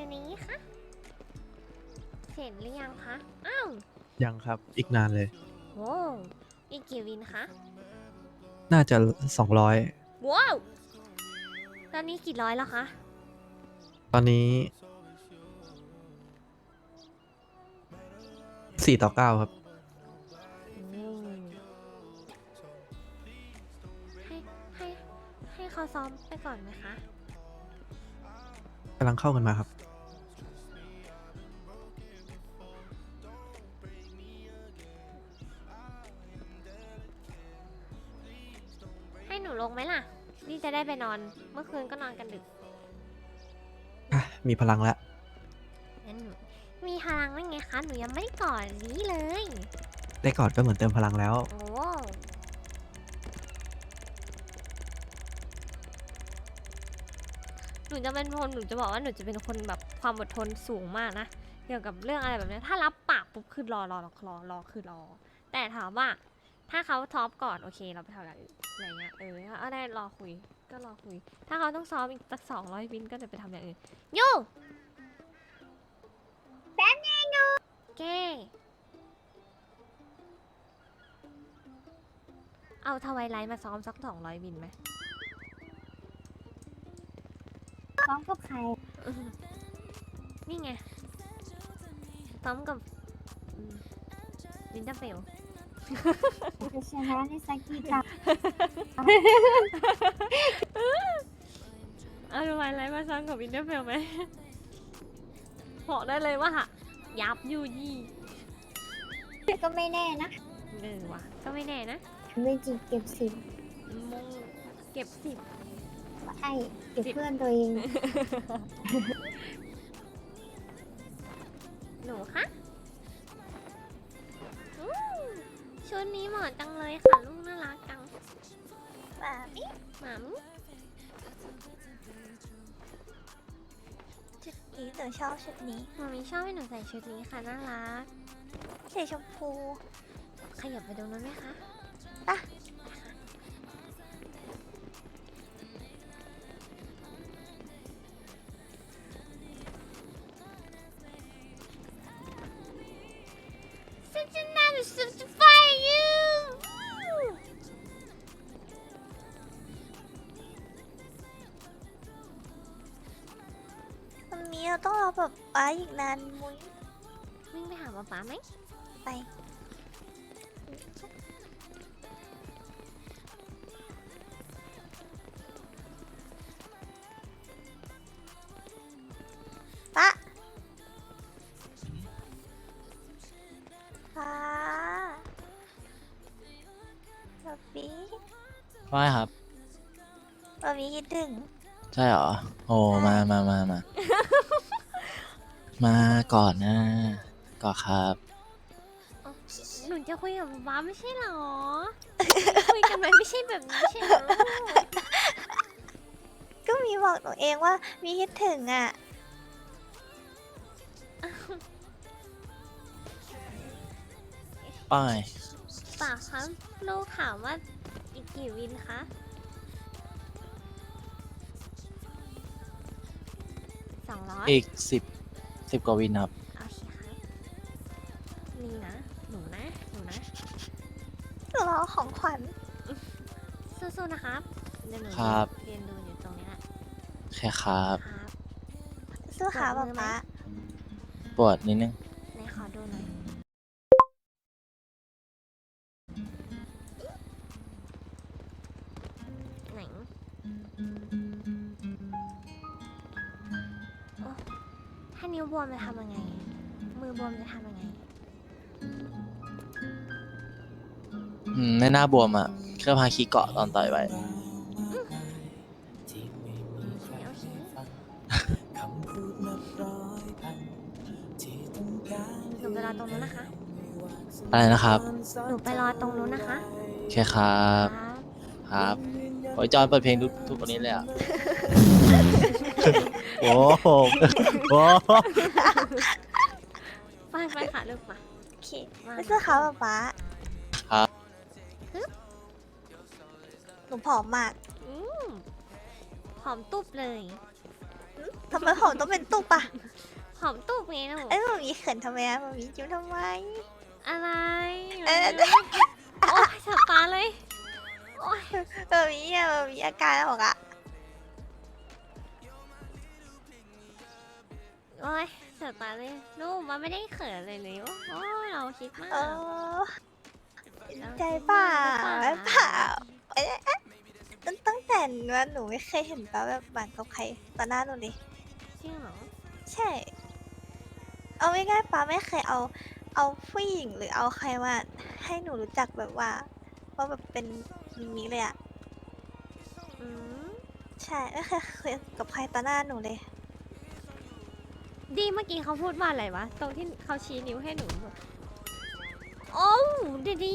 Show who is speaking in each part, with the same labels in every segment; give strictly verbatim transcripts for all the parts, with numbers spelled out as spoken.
Speaker 1: นี้คะเสร็จหรือยังคะอ้าว
Speaker 2: ยังครับอีกนานเลย
Speaker 1: โว้วอีกกี่วินคะ
Speaker 2: น่าจะสองร้อย
Speaker 1: ว้าวตอนนี้กี่ร้อยแล้วคะ
Speaker 2: ตอนนี้สี่ต่อเก้าครับ
Speaker 1: อืมให้ให้ให้เขาซ้อมไปก่อนไหมคะ
Speaker 2: กำลังเข้ากันมาครับ
Speaker 1: ให้หนูลงไหมล่ะ นี่จะได้ไปนอน เมื่อคืนก็นอนกันดึก
Speaker 2: อ่ะ มีพลังแล้ว
Speaker 1: งั้นหนูมีพลังได้ไงคะ หนูยังไม่ได้ก่อนนี้เลย
Speaker 2: ได้กอดก็เหมือนเติมพลังแล้ว
Speaker 1: โอ้หนูจะเป็นคนหนูจะบอกว่าหนูจะเป็นคนแบบความอดทนสูงมากนะ เกี่ยวกับเรื่องอะไรแบบนี้ ถ้ารับปากปุ๊บคือรอรอรอรอรอคือรอ แต่ถามว่า ถ้าเขาท็อปก่อนโอเค เราไปทำอย่างอื่นอะไรเงี้ย เออถ้าได้รอคุย ก็รอคุย ถ้าเขาต้องซ้อมอีกสักสองร้อยวินก็จะไปทำอย่างอื่นโย่แป๊บนึงนูเก้เอาทวายไลท์มาซ้อมสักสองร้อยวินไหม
Speaker 3: ซ้อมกับใคร
Speaker 1: นี่ไงซ้อมกับวินเทอร์เฟล
Speaker 3: จะชนะในสักกี่ตา
Speaker 1: เอาทำไมไรมาซ้อมกับวินเทอร์เฟลไหมบอกได้เลยว่ายับยูยี่
Speaker 3: ก็ไม่แน่นะ
Speaker 1: เออว่ะก็ไม่แน่นะ
Speaker 3: ไม่จริงเก็บสิบ
Speaker 1: มงเก็บสิบ
Speaker 3: ไอ้เก็บเพื่อนตัวเอง
Speaker 1: หนูคะอืมชุดนี้เหมาะจังเลยค่ะลูกน่ารักจังหมามิหมามิ
Speaker 3: ชุดนี้หนูชอบชุดนี้
Speaker 1: หมามิชอบให้หนูใส่ชุดนี้ค่ะน่ารัก
Speaker 3: สีชมพู
Speaker 1: ขยับไปตรงนั้นไหมคะ
Speaker 3: ปะ
Speaker 1: Such a nice certify you
Speaker 3: วันนี้เราต้องรอแบบป้าอีกนานมุ้ย
Speaker 1: วิ่งไปหาป๊าป๊าไหม
Speaker 3: ไปป้าป้าป๊าปี้
Speaker 4: ว่าไงครับ
Speaker 3: ป๊าปี้คิดถึง
Speaker 4: ใช่เหรอ โอ้ มามามามา มาก่อนนะก่อนครับ
Speaker 1: หนูจะคุยกับป๊าไม่ใช่เหรอ คุยกันไหมไม่ใช่แบบนี้ใช่เหรอ
Speaker 3: ก็มีบอกหนูเองว่ามีคิดถึงอ่ะ
Speaker 4: ป้าย
Speaker 1: ป่าคะลูกถามว่าอีกกี่วินคะสองร้อย
Speaker 4: อีกสิบสิบกว่าวินครับ
Speaker 1: โอเคครับนี่นะ หนูนะ หนูนะ
Speaker 3: หนูรอของขวัญ
Speaker 1: สู้ๆนะครับเดี๋ยวหนู
Speaker 4: ครับ
Speaker 1: เรียนดูอยู่ตรงนี้แหละ
Speaker 4: แค่ครับ
Speaker 1: ครับ
Speaker 3: สู้ขา
Speaker 1: ปรบมื
Speaker 3: ป๊า
Speaker 1: อไหม
Speaker 3: ป๊า
Speaker 4: ปวดนิดนึง
Speaker 1: ไหนขอดูหน่อยไหนโอ้ถ้านิ้วบวมจะทำยังไง มือบวมจะทำยังไง
Speaker 4: อืมในหน้าบวมอ่ะแค่พาคีเกาะตอนต่อยไว้
Speaker 1: โอเคโอเค หนูไปรอตรงนู้นนะคะ
Speaker 4: อะไรนะครับ
Speaker 1: หนูไปรอตรงนู้นนะคะ
Speaker 4: แค่ครับ
Speaker 1: ครับ
Speaker 4: ครับโอ้ยจอนเปิดเพลงทุกทุกวันนี้เลยอ่ะ
Speaker 2: โอ้โหโอ้โห
Speaker 1: ไปไปค่ะลูกมา
Speaker 3: โอเค
Speaker 1: มา
Speaker 3: สู้ขาป๊าป๊า
Speaker 4: ครับ
Speaker 3: หนูผอมมาก
Speaker 1: อืมหอมตุบเลย
Speaker 3: ทำไมผอมต้องเป็นตุ๊บอะ
Speaker 1: หอมตูบไงลูก
Speaker 3: เอ้ยมามีเขินทำไมอะมามีจิ้มทำไม
Speaker 1: อะไร
Speaker 3: เออ
Speaker 1: โอ้ยสับตาเลยโอ้ย
Speaker 3: มามีอะมามีอาการออกอะ
Speaker 1: โอ้ยสับตาเลยลูกมันไม่ได้เขินเลยเลยโอ้ยเราคิดมาก
Speaker 3: เออใจเปล่าไม่เปล่าเอ๊ะเอ๊ะตั้งตั้งแต่ว่าหนูไม่เคยเห็นป้าแบบหวานกับใครต่อหน้าหนูเลย
Speaker 1: จริงเหรอ
Speaker 3: ใช่ เอาไม่ง่ายๆป้าไม่เคยเอา เอาผู้หญิงหรือเอาใครมาให้หนูรู้จักแบบว่าว่าแบบเป็นมิมิเลยอะ
Speaker 1: อืม
Speaker 3: ใช่ไม่เคยคุยกับใครต่อหน้าหนูเลย
Speaker 1: ดีเมื่อกี้เขาพูดว่าอะไรวะตรงที่เขาชี้นิ้วให้หนูโอ้วดีดี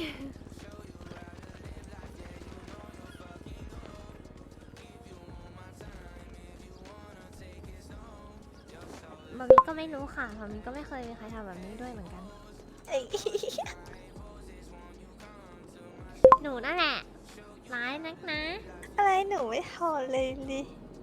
Speaker 1: มามีก็ไม่รู้ค่ะมามีก็ไม่เคยมีใครทำแบบนี้ด้วยเหมือนกัน
Speaker 3: เอ้ย
Speaker 1: หนูนั่นแหละร้ายนักนะ
Speaker 3: อะไรหนูไม่ทนเลยดิ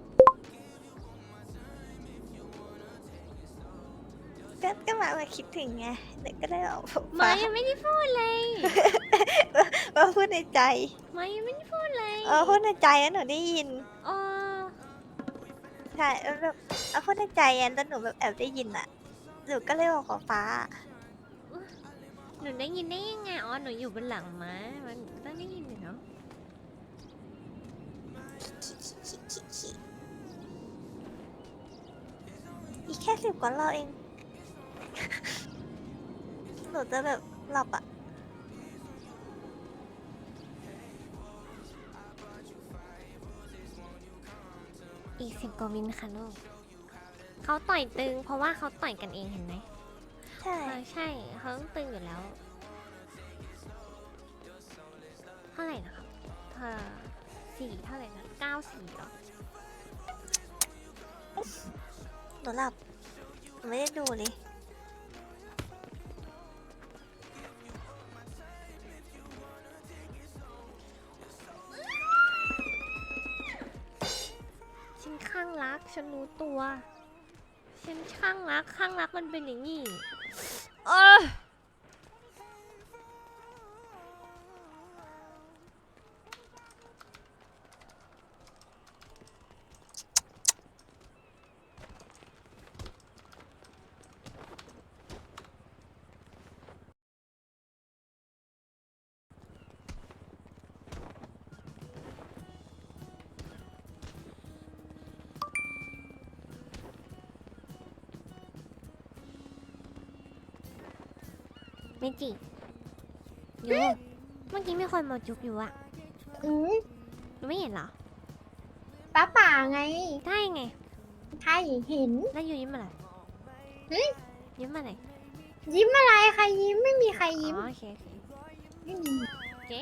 Speaker 3: ก็ก็มามาคิดถึงไงเด็กก็ได้ออกผม
Speaker 1: มายังไม่ได้พูดเลย
Speaker 3: มาพูดในใจ
Speaker 1: มายังไม่ได้พูดเลย
Speaker 3: เออพูดในใจแล้วหนูได้ยิน
Speaker 1: เออ
Speaker 3: ใช่แล้วแบบเอาพูดในใจอ่ะแต่หนูแบบแอบได้ยินอ่ะหนูก็เลยบอกกับฟ้า
Speaker 1: หนูได้ยินได้ยังไงอ๋อหนูอยู่บนหลังม้ามันต้องได้ยินอยู่เนาะ
Speaker 3: อีกแค่สิบกว่ารอบเอง หนูจะแบบหลับอ่ะ
Speaker 1: อีกสิบกว่าวินค่ะลูกเขาต่อยตึง เพราะว่าเขาต่อยกันเองเห็นไหม
Speaker 3: ใช่
Speaker 1: เออใช่เขาต้องตึงอยู่แล้ว เท่าไหร่นะครับเธอสี่เท่าไหร่นะเก้าสี่เหรอ
Speaker 3: หนูหลับหนูไม่ได้ดูเลย
Speaker 1: ฉันข้างรัก ฉันรู้ตัว ฉันข้างรัก ข้างรักมันเป็นอย่างนี้เออเมจิโยเมื่อกี้มีคนมาจุกอยู่อะ
Speaker 5: อืม
Speaker 1: หนูไม่เห็นเหรอ
Speaker 5: ป้าป่าไง
Speaker 1: ได้ไง
Speaker 5: ใช่เห็น
Speaker 1: แล้วอยู่ยิ้มอะไร
Speaker 5: เฮ้ย
Speaker 1: ยิ้มอะไร
Speaker 5: ยิ้มอะไรใครยิ้มไม่มีใคร
Speaker 1: อ๋
Speaker 5: ยิ้ม
Speaker 1: อโอเคโอเค
Speaker 5: ไม่มี
Speaker 1: โอเค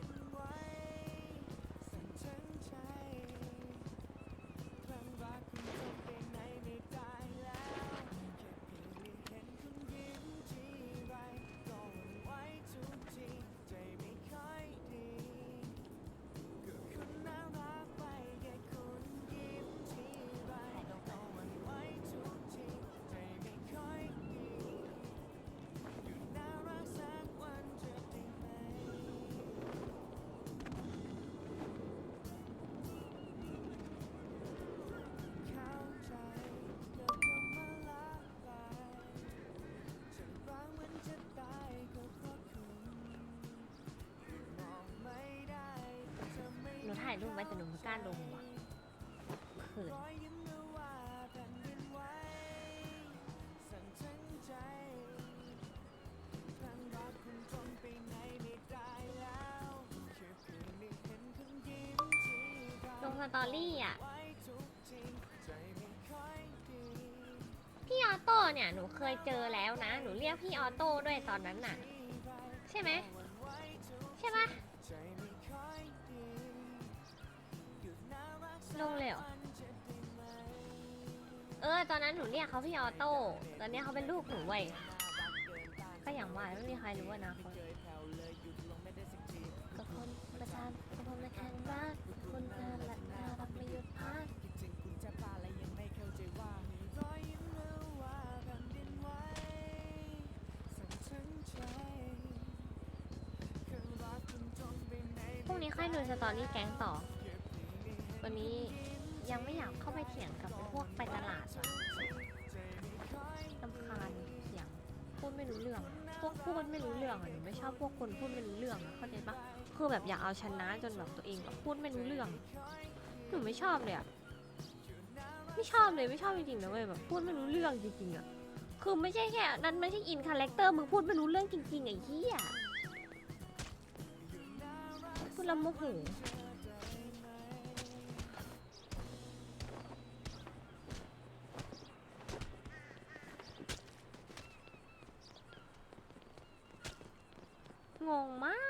Speaker 1: หนูถ่ายรูปไว้แต่หนูไม่กล้าลงว่ะเขินลงสตอรี่อ่ะ พี่ออโต้เนี่ย หนูเคยเจอแล้วนะ หนูเรียกพี่ออโต้ด้วยตอนนั้นน่ะ ใช่ไหม ใช่ปะลงเลยเหรอ เออ ตอนนั้นหนูเรียกเขาพี่ออโต้ ตอนนี้เขาเป็นลูกหนูเว้ย ก็อย่างว่าไม่มีใครรู้อนาคตก็คนประจานก็คนในแข่งรักคนน่ารักน่ารักไม่หยุดพักดูสตอรี่แก๊งต่อ วันนี้ยังไม่อยากเข้าไปเถียงกับพวกไปตลาดว่ะรำคาญเสียงพูดไม่รู้เรื่อง พวกพูดไม่รู้เรื่องอ่ะหนูไม่ชอบพวกคนพูดไม่รู้เรื่องอะเข้าใจปะคือแบบอยากเอาชนะจนแบบตัวเองแบบพูดไม่รู้เรื่อง หนูไม่ชอบเลยอะไม่ชอบเลยไม่ชอบจริงๆนะเว้ยแบบพูดไม่รู้เรื่องจริงๆอะคือไม่ใช่แค่นั้นไม่ใช่อินคาแรคเตอร์มึงพูดไม่รู้เรื่องจริงๆไอ้เหี้ยพูดแล้วโมโหงงมาก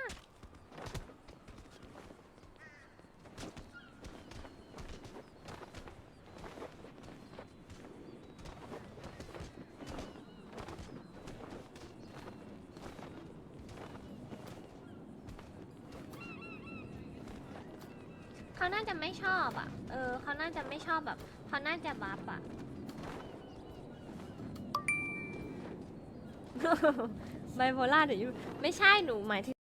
Speaker 1: เขาน่าจะไม่ชอบอ่ะ เออ เขาน่าจะไม่ชอบแบบ เขาน่าจะบัฟอ่ะ ไบโพล่าเดี๋ยวยูไม่ใช่หนูหมายถึง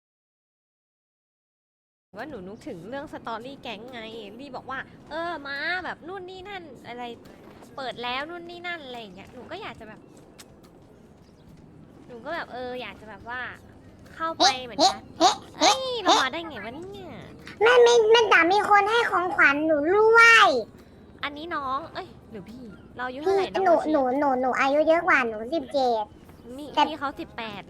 Speaker 1: ว่าหนูนึกถึงเรื่องสตอรี่แก๊งไงรีบอกว่า เออ มาแบบนู่นนี่นั่นอะไร เปิดแล้วนู่นนี่นั่นอะไรอย่างเงี้ย หนูก็อยากจะแบบ หนูก็แบบเออ อยากจะแบบว่า เข้าไปเหมือนกันเอ้ย เรามาได้ไงวะเนี่ย
Speaker 5: แม่ไม่แม่จ๋ามีคนให้ของขวัญหนูด้วย
Speaker 1: อันนี้น้อง เอ้ย หรือพี่ เราอายุ
Speaker 5: พี่
Speaker 1: เท่าไหร่น้อง
Speaker 5: หนู
Speaker 1: โมชิ
Speaker 5: หนูหนูหนูอายุเยอะกว่าหนูสิบเจ็ด
Speaker 1: นี่
Speaker 5: แต่
Speaker 1: พี่เขาสิบแปด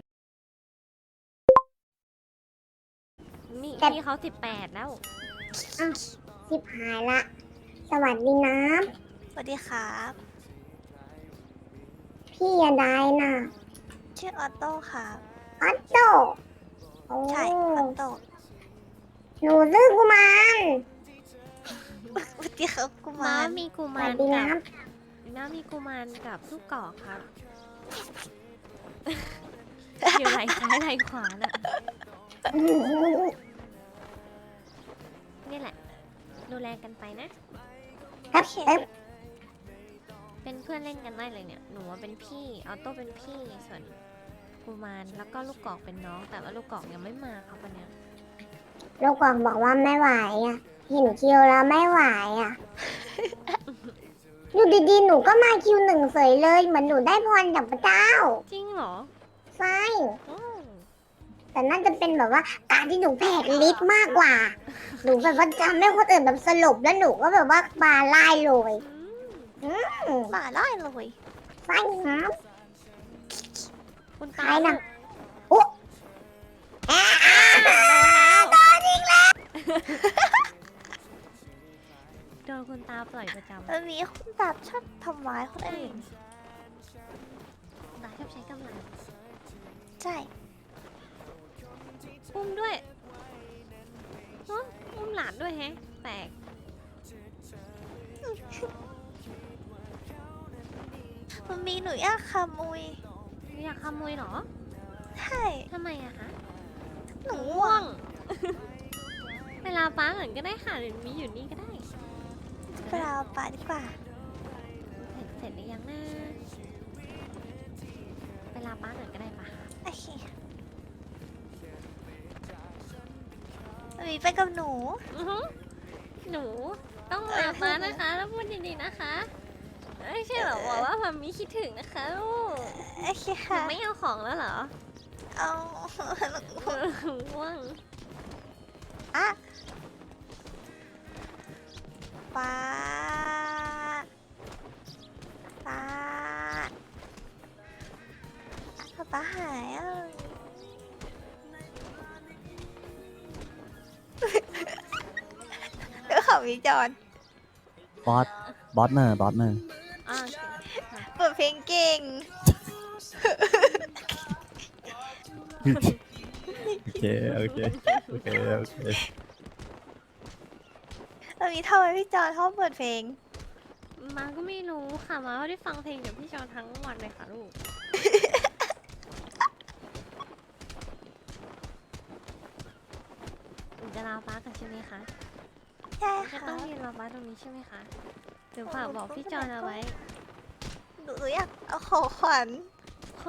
Speaker 1: นี่
Speaker 5: แต่
Speaker 1: พี่เขาสิบแปดแล้ว
Speaker 5: อ้าวสิบหายละ สวัสดีนะ
Speaker 3: สวัสดีครับ
Speaker 5: พี่อย่าได้น่ะ
Speaker 3: ชื่อออโต้ครับ
Speaker 5: ออตโต้โอ้
Speaker 3: ใช่ออโต้
Speaker 5: หนูซื้อกุมาร
Speaker 3: สวัสดีครับกุ
Speaker 1: ม้าม
Speaker 3: าร
Speaker 1: มีกุ
Speaker 5: ส
Speaker 1: มา
Speaker 5: วั
Speaker 1: ร
Speaker 5: สดี
Speaker 1: กั
Speaker 5: นะ
Speaker 1: บม้ามีกุมารกับลูกกอกครับ อยู่ไหล่ซ้ายไหล่ขวาน่ะ นี่แหละ ดูแลกันไปนะ
Speaker 5: ครับเอ๊ะ
Speaker 1: เป็นเพื่อนเล่นกันได้เลยเนี่ย หนูว่าเป็นพี่ ออโต้เป็นพี่ ส่วนกุมารแล้วก็ลูกกอกเป็นน้อง แต่ว่าลูกกอกยังไม่มาครับวันเนี้ย
Speaker 5: ลูกกวางบอกว่าไม่ไหวอ่ะ เห็นคิวแล้วไม่ไหวอ่ะ อยู่ดีๆ หนูก็มาคิวหนึ่งเสยเลย เหมือนหนูได้พรจากพระเจ้า
Speaker 1: จริงเหรอ
Speaker 5: ใช่
Speaker 1: อืม
Speaker 5: แต่น่าจะเป็นแบบว่าการที่หนูแผดลิ์มากกว่า หนูแบบว่าทำให้คนอื่นแบบสลบแล้วหนูก็แบบว่าบาไล่เลย
Speaker 1: อืม
Speaker 5: อืม
Speaker 3: มาไล่เลย
Speaker 5: ใช่ครับ
Speaker 1: คุณตา
Speaker 5: ใครน่ะ
Speaker 1: ลูก
Speaker 5: โอ้แอะ
Speaker 1: โดนอีกแล้วโดนคุณตาปล่อยประจำ
Speaker 3: มันมีคนแบบชอบทำร้ายคนอื่น
Speaker 1: ตาชอบใช้กำลัง
Speaker 3: ใช่
Speaker 1: อุ้มด้วยฮะอุ้มหลานด้วยแฮะ แปลก
Speaker 3: มันมีหนูอยากขโมย
Speaker 1: อยากขโมยเหรอ
Speaker 3: ใช่
Speaker 1: ทำไมอะคะ
Speaker 3: หนู
Speaker 1: ง่วง เวลาป้าเหมือนก็ได้ค่ะหรือมีอยู่นี่ก็ได้
Speaker 3: ไปเอาปลาดีกว่า
Speaker 1: เสร็จเสร็จหรือยังนะเวลาป้าหน่อยก็ได้ปะ
Speaker 3: โอเคมันมีไปกับหนู
Speaker 1: อือหือหนูต้องลาป้านะคะ แล้วพูดดีๆนะคะไม่ใช่แบบบอกว่ามันมีคิดถึงนะคะลูก
Speaker 3: โอเค
Speaker 1: หนู
Speaker 3: ค่ะ
Speaker 1: ไม่เอาของแล้วเหรอ
Speaker 3: เอา
Speaker 1: ง่วง
Speaker 3: อะปลาปลาปลาปลาหายอ่ะ เดี๋ยวเขาวิจารณ์
Speaker 2: บอส บอสเนอร์ บอสเนอร์
Speaker 1: อ่า
Speaker 3: เปิดเพลงเก่ง
Speaker 2: โอเค โอเค โอเค โอเค
Speaker 3: แล้วมีทำไมพี่จอนชอบเปิดเพลง
Speaker 1: มาก็ไม่รู้ค่ะมาไม่ได้ฟังเพลงเดี๋ยวพี่จอนทั้งวันเลยค่ะลูก หนูจะลาป้ากันใช่ไหมคะ
Speaker 3: ใช่
Speaker 1: จะ
Speaker 3: ค่ะ
Speaker 1: ต้องยืนรอป้าตรงนี้ใช่ไหมคะเดี๋ยวฝากบอกพี่จอนเอาไว้
Speaker 3: หนูอยากเอาของขวัญ